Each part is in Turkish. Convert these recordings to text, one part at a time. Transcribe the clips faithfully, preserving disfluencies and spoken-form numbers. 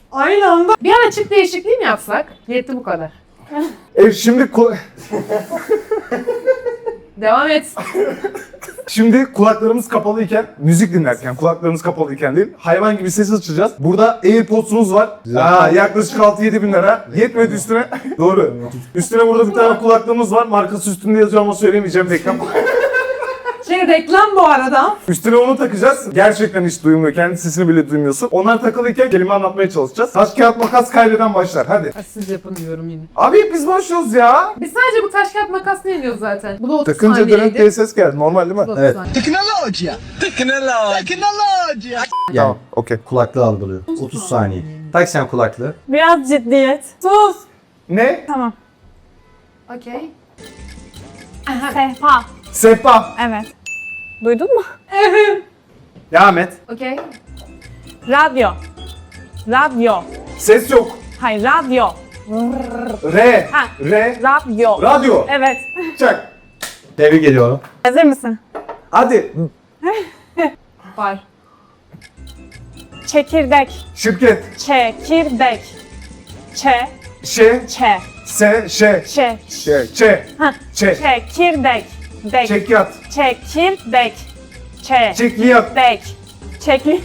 Aynı anda. Bir an açık değişikliği mi yapsak? Yetti bu kadar. E şimdi ku- Devam et. şimdi kulaklarımız kapalıyken, müzik dinlerken, kulaklarımız kapalıyken değil, hayvan gibi ses açacağız. Burada AirPods'umuz var. Aa, yaklaşık altı yedi bin lira. Yetmedi üstüne. Doğru. Üstüne burada bir tane kulaklığımız var. Markası üstünde yazıyor ama söylemeyeceğim, reklam. Şey reklam bu arada. Üstüne onu takacağız. Gerçekten hiç duymuyor. Kendi sesini bile duymuyorsun. Onlar takılıyken kelime anlatmaya çalışacağız. Taş kağıt makas kaybeden başlar. Hadi. Ha, siz yapın diyorum yine. Abi biz başlıyoruz ya. Biz sadece bu taş kağıt makas ne diyoruz zaten? Bu da otuz Takınca dönen saniyeydi. diye ses geldi. Normal değil mi? Bu da otuz Evet. saniye. Tecnologia. Tecnologia. Tecnologia. Yani Tamam. Okey. kulaklığı algılıyor. otuz saniye. Tak sen kulaklığı. Biraz ciddiyet. Sus. Ne? Tamam. Okey. Sehpa. Sehpa. Evet. Duydun mu? Devam et. Okey. Radyo. Radyo. Ses yok. Hayır, radyo. R. Ha. R. Radyo. Radyo. Evet. Çak. Tebrik ediyorum. Hazır mısın? Hadi. Var. Çekirdek. Şirket. Çekirdek. Çe. Ş. Çe. S. Ş. Çe. Ş. Ç. Ha. Ç. Çekirdek. Dek. Çekyat. Çekirdek. Çe. Çekliyat. Dek. Çekli.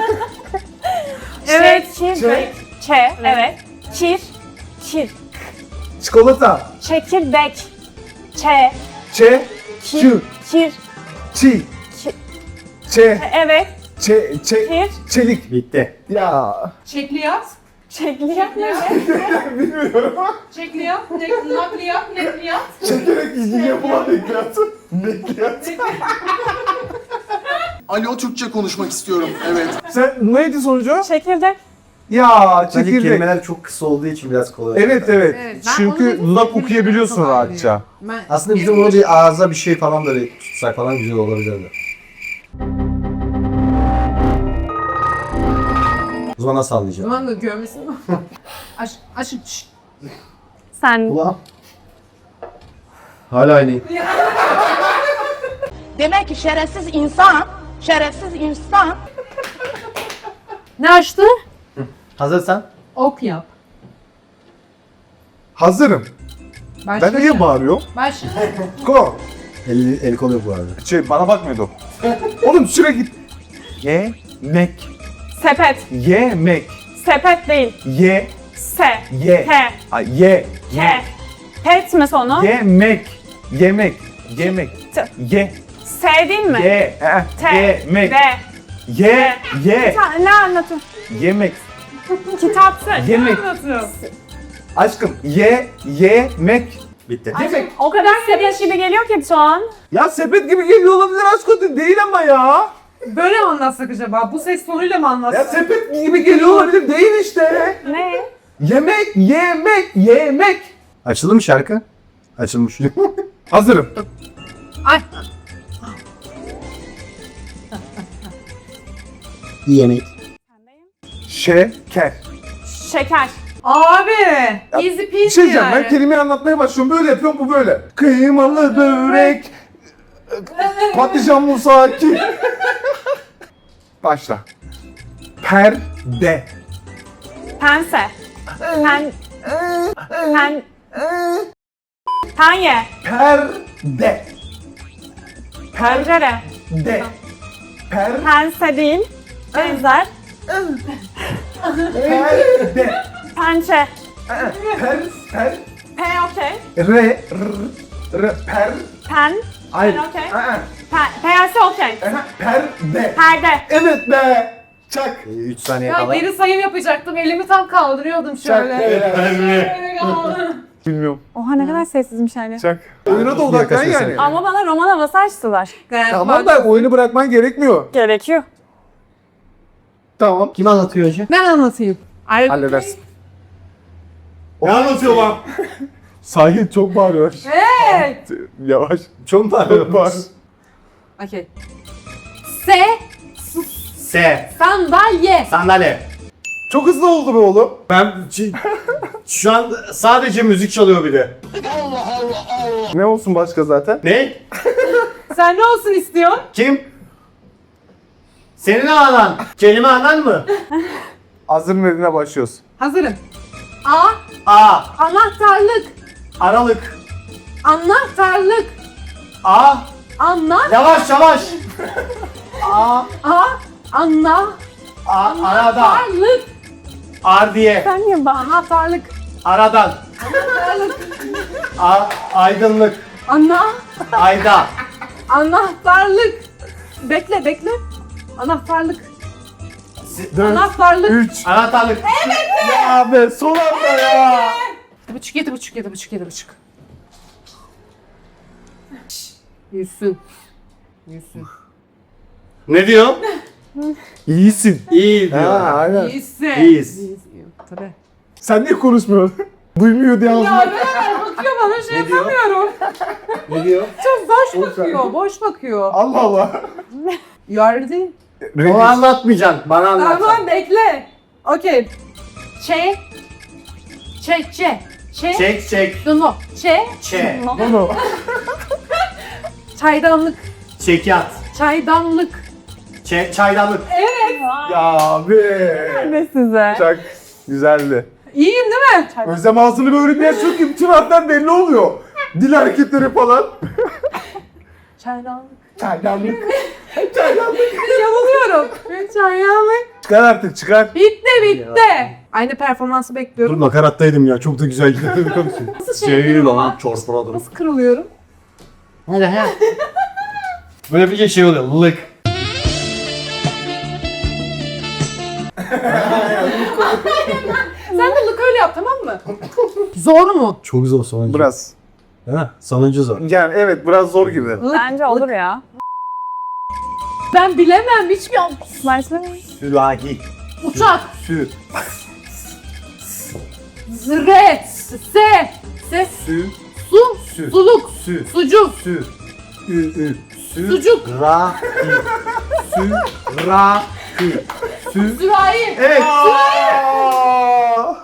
Evet. Çekirdek. Çe. Evet. Kir. Kir. Çikolata. Çekirdek. Çe. Ç. Kir. Ç. Kir. Çi. Ki- Ç. Evet. Ç. Ç. Kir. Çelik. Bitti. Ya. Çekliyat. Çekliyat ne? Bilmiyorum. Çekliyat. ne- Nakliyat. Nekliyat. Çekerek ilgili yapılan bekliyat. Bekliyat. Alo, Türkçe konuşmak istiyorum. Evet. Sen neydi sonucu? Çekirdek. Ya Bence çekirdek. kelimeler çok kısa olduğu için biraz kolay. Evet evet. Evet, ben onu Çünkü dedim, laf kelimeleri okuyabiliyorsun çok rahatça. anlıyorum. Ben... Aslında bizim onu bir ağza bir şey falan da bir tutsak falan güzel olabilirdi. O zaman nasıl O anlayacağım? zaman da görmesin mi? Aş, aş, şşt. Sen Ulan. Hala aynı. Demek ki şerefsiz insan, şerefsiz insan Ne açtı? Hazırsan. Ok yap. Hazırım. Başla. Ben niye bağırıyorum? Başla. Go. El, el kol yok bu arada. Şey bana bakmıyordu. Oğlum sürekli. Yemek. sepet. Yemek. Sepet değil. Ye. Se. Ye. Te. Ay, ye. Te. Pet mi sonu? Yemek. Yemek. Yemek. T. Ye. S değil mi? Ye. eh, Te. Yemek. De. Ye. Ye. Ta- ne anlatıyorsun? Yemek. Kitapsı. Yemek. Ne anlatıyorsun? Aşkım. Ye. Yemek. Bitti. Yemek. O kadar sepet gibi geliyor ki şu an. Ya sepet gibi geliyor olabilir aşkım, değil ama ya. Böyle mi anlatsak acaba? Bu ses tonuyla mı Ya anlatsak? sepet gibi geliyor olabilir, değil işte. Ne? Yemek, yemek, yemek. Açıldı mı şarkı? Açılmış. Hazırım. Ay. İyi yemek. Şeker. Şeker. Abi. Easy Bir peasy şey diyeceğim, yani. ben kelimeyi anlatmaya başlıyorum, böyle yapıyorum, bu böyle. Kıymalı börek, patlıcan musaki. Başla. Perde. Pense. Pen. Pen. Penye. Perde. Pencere. Perde. Per, Pense değil. Benzer. perde. Pençe. Per, per, P okey. re, r, r, per. Pen. Hayır. Ben okey. Aa, Pe P'si okey. aha, Perde. Perde. Evet be. Çak. üç saniye Ya kala. geri sayım yapacaktım. Elimi tam kaldırıyordum şöyle. Çak. Şöyle kaldı. Bilmiyorum. Oha ne kadar sessizmiş hani. Çak. Oyuna da odaklan Yaklaşıyorsun. yani. Ama bana roman havası açtılar. Tamam da oyunu bırakman gerekmiyor. Gerekiyor. Tamam. Kim anlatıyor hocam? Ben anlatayım. Ay, Halledersin. Ne anlatıyor lan? Sahil çok bağırıyor. Evet. Yavaş. Çok bağırıyor. Bağır. Okey. Se S. sandalye. Sandalye. Çok hızlı oldu be oğlum. Ben ç- şu an sadece müzik çalıyor bir de. Ne olsun başka zaten? Ne? Sen ne olsun istiyorsun? Kim? Senin anan. Kelime anan mı? Hazır dediğine başlıyoruz. Hazırım. A. A. Anahtarlık. Aralık. Anahtarlık. A. Anla. Yavaş yavaş. A. A. Anla. A. Arada. Anahtarlık. Ardiye. Sen niye bana? Anahtarlık. Aradan. Anahtarlık. A. Aydınlık. Ana. Ayda. Anahtarlık. Bekle bekle. Anahtarlık. dört, Anahtarlık. üç. Anahtarlık. Ya be son anda ya. Yedi buçuk, yedi buçuk, yedi buçuk, yedi buçuk. Yüzsün. Yüzsün. Ne diyor? İyisin. İyi diyor. Ha, aynen. İyisin. İyiyiz. Tabii. Sen niye konuşmuyorsun? Duymuyor diye Ya ağzına. ben bakıyor bana şey Ne diyor? yapamıyorum. Ne diyor? Çok boş bakıyor, boş bakıyor. Allah Allah. Yardı. Onu anlatmayacaksın. Bana anlatacaksın. Tamam bekle. Okey. Çe. Çe, çe. Çe. Çek çek. Duno. Çe. Çe. Bunu. Çaydanlık. Çekyat. Çaydanlık. Çe çaydanlık. Ya be. Ne size? Çok güzeldi. İyiyim değil mi? Özlem ağzını böyle bir açıyor ki bütün harfler belli oluyor. Dil hareketleri falan. Çaydanlık. Çaydanlık. Çaydanlık. Yanılıyorum. Çaydanlık. Çıkar artık çıkar. Bitti bitti. Aynı performansı bekliyorum. nakarattaydım ya. Çok da güzel gidiyor. Nasıl şey yapıyorum ama? Çorpaladım. Nasıl kırılıyorum? Hadi he. Böyle bir şey oluyor. Lık. Sen de lık öyle yap tamam mı? Zor mu? Çok zor sonuncu. Biraz. Ha, sonuncu zor. Yani evet biraz zor gibi. Lık. Bence olur ya. Ben bilemem hiçbir Başla. Sürahi. uçak. Sü. Zre. Se. Ses. Sü. Su. Sü. Suluk. Sü. Sucuk. Sü. Ü. Ü. Sü. Sucuk. Ra. Sü. Ra. Sü. Sü. Sürahi. Evet. Aa!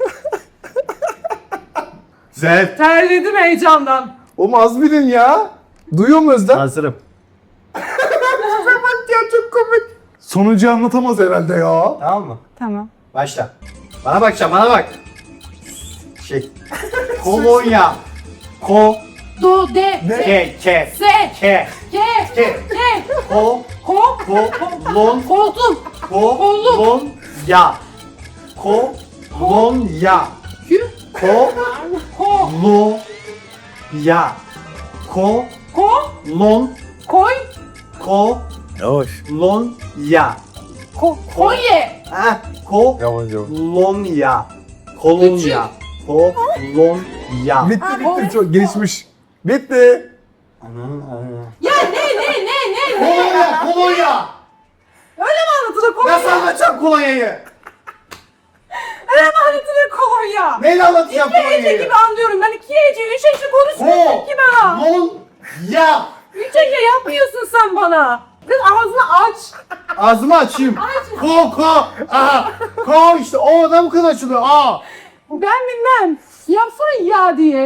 Güzel. Terledim heyecandan. Oğlum az bilin ya. Duyuyor mu Özlem? Hazırım. Bak ya çok komik. Sonuncuyu anlatamaz herhalde ya. Tamam mı? Tamam. Başla. Bana bakacağım, bana bak. Şey. Kolonya. Ko. Do. De. Ne? Ke. Ke. Se. Ke. Ke. Ke. Ke. Ko. Ko. Ko. Lon. Koltuk. Ko. Kolluk. Lon. Ya. Ko. Lon. Ya. Kü. Ko. Ko. Lo. Ya. Ko. Ko. Lon. Koy. Ko. Yavaş. Lon. Ya. Ko. Kolye. Ha. Ko. Yavaş yavaş. Kolonya. Kolonya. Kolonya. Bitti Ha, bitti o- çok geçmiş. Bitti. Ya ne ne ne ne ne? Kolonya. Kolonya. Öyle mi anlatılır kolonya? Nasıl anlatacağım kolonyayı? Öyle mi anlatılır kolonya? Neyle anlatacağım İki hece kolonyayı? gibi anlıyorum. Ben iki hece, üç hece konuşmuyorsun Ko. ki bana. Lon. Ya. Üç hece yapmıyorsun sen bana. Kız ağzını aç. Ağzımı açayım. Ko ko. Aha. Ko işte o da bu kadar açılıyor. Aa. Ben bilmem. Yapsana ya diye.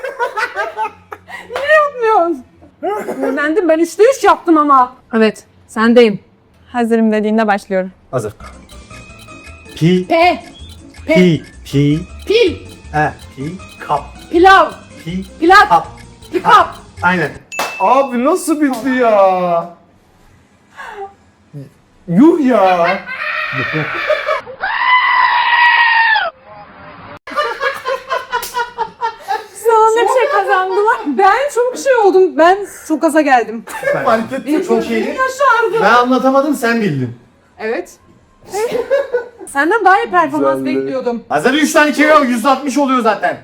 Niye yapmıyorsun? Öğrendim ben üçte üç yaptım ama. Evet sendeyim. Hazırım dediğinde başlıyorum. Hazır. Pi. P. P. Pi. Pi. Pil. E. Pi. Kap. Pilav. Pi. Pilav. Kap. Pikap. Aynen. Abi nasıl bitti ya? Yuh ya. Sonunda bir şey kazandılar. Ben çok şey oldum. Ben çok gaza geldim. Fark ettim. Benim çok gözlerim iyiydi. yaşardı. Ben anlatamadım, sen bildin. Evet. Senden daha iyi performans Güzeldi. bekliyordum. Hazır üç tane kere yüz altmış oluyor zaten.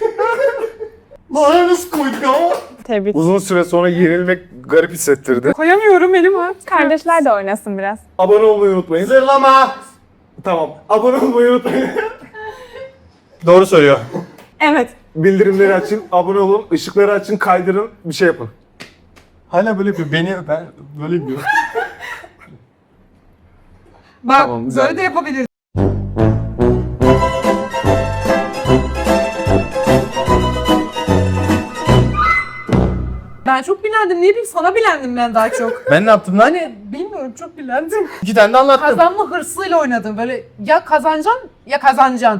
Lan nasıl koyduk ama? Tebrik. Uzun süre sonra yenilmek garip hissettirdi. Koyamıyorum elimi. Kardeşler de oynasın biraz. Abone olmayı unutmayın. Zırlama. Tamam. Abone olmayı unutmayın. Doğru söylüyor. Evet. Bildirimleri açın, abone olun, ışıkları açın, kaydırın, bir şey yapın. Hala böyle yapıyor. Beni ben böyle yapıyorum. Bak Tamam, güzel. böyle de yapabiliriz. Ben çok bilen bilendim. Ne bileyim sana bilendim ben daha çok. Ben ne yaptım lan? Hani bilmiyorum çok bilendim. İki tane de anlattım. Kazanma hırsıyla oynadım. Böyle ya kazanacaksın ya kazanacaksın.